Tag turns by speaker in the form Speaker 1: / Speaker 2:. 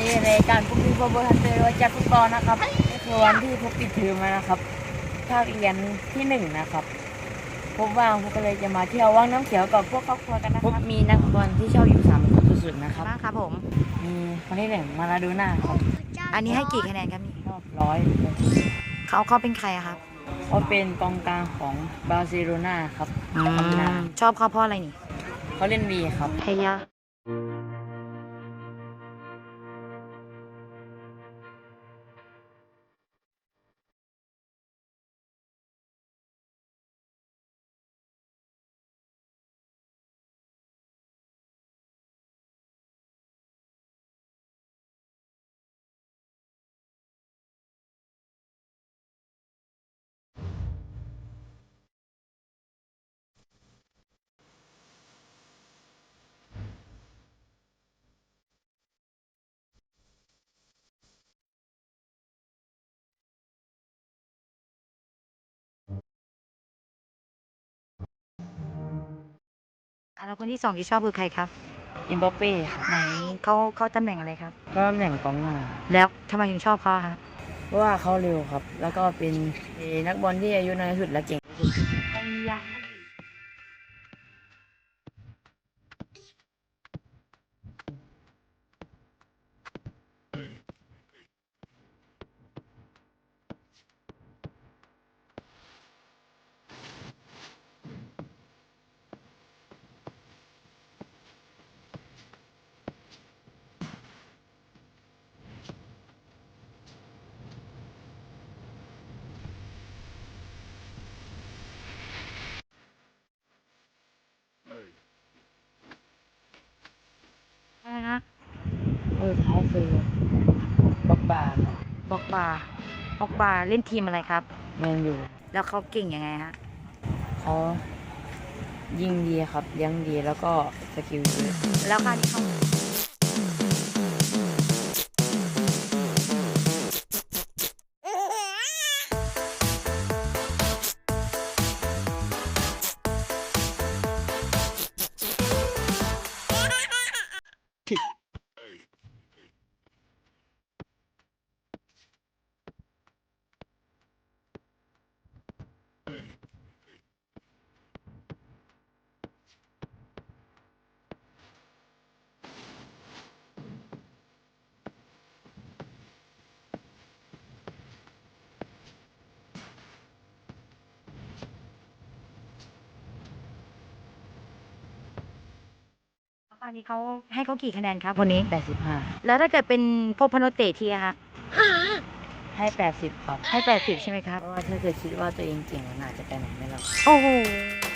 Speaker 1: นี้ในการพบพี่พบฮันเตอร์ว่าจะฟุตบอลนะครับนี่คือวันที่พบปิดเทอมแล้วนะครับภาคเรียนที่1นะครับพบว่างพวกก็เลยจะมาเที่ยวว่างน้ำเขียวกับพวกครอบครัวกันนะครับมีนักบอลที่ชอบอยู่3คนสุดๆนะครับ
Speaker 2: บ้างครับผม
Speaker 1: มีคนที่1มาลาโดน่าครับ
Speaker 2: อันนี้ให้กี่คะแนนครับนี่
Speaker 1: ชอบร้อย
Speaker 2: เขาเป็นใครอะครับ
Speaker 1: เขาเป็นกองกลางของบาร์เซโลนาครับตำนาน
Speaker 2: ชอบเขาเพราะอะไรนี่
Speaker 1: เขาเล่นดีครับ
Speaker 2: เฮียแล้วคนที่สองที่ชอบคือใครครับ
Speaker 1: อิมบัปเป้ครับ
Speaker 2: ไหนเขาตำแหน่งอะไรครับ
Speaker 1: ก็ตำแหน่งกองหน้า
Speaker 2: แล้วทำไมถึงชอบเขาครับ
Speaker 1: เพราะว่าเขาเร็วครับ แล้วก็เป็นนักบอลที่อายุน้อยที่สุดและเก่งที่สุด
Speaker 2: อะไรนะ
Speaker 1: ท้ายคือบักบาครับ
Speaker 2: บอกบาร์บอกบาร์เล่นทีมอะไรครับ
Speaker 1: แมนยู
Speaker 2: แล้วเขาเก่งยังไงฮะ
Speaker 1: เขายิงดีครับเลี้ยงดีแล้วก็สกิลเยอะ
Speaker 2: แล้วการที่เขาอันนี้เขาให้เขากี่คะแนนครับคนนี้
Speaker 1: 85
Speaker 2: แล้วถ้าเกิดเป็นพบพโนเตะทีอะคะ
Speaker 1: ให้80ครับ
Speaker 2: ให้80ใช่ไหมครับ
Speaker 1: เพราะว่าถ้าเกิดคิดว่าตัวเองเก่งมันอาจจะไปไหนไม่รอด
Speaker 2: โอ้โห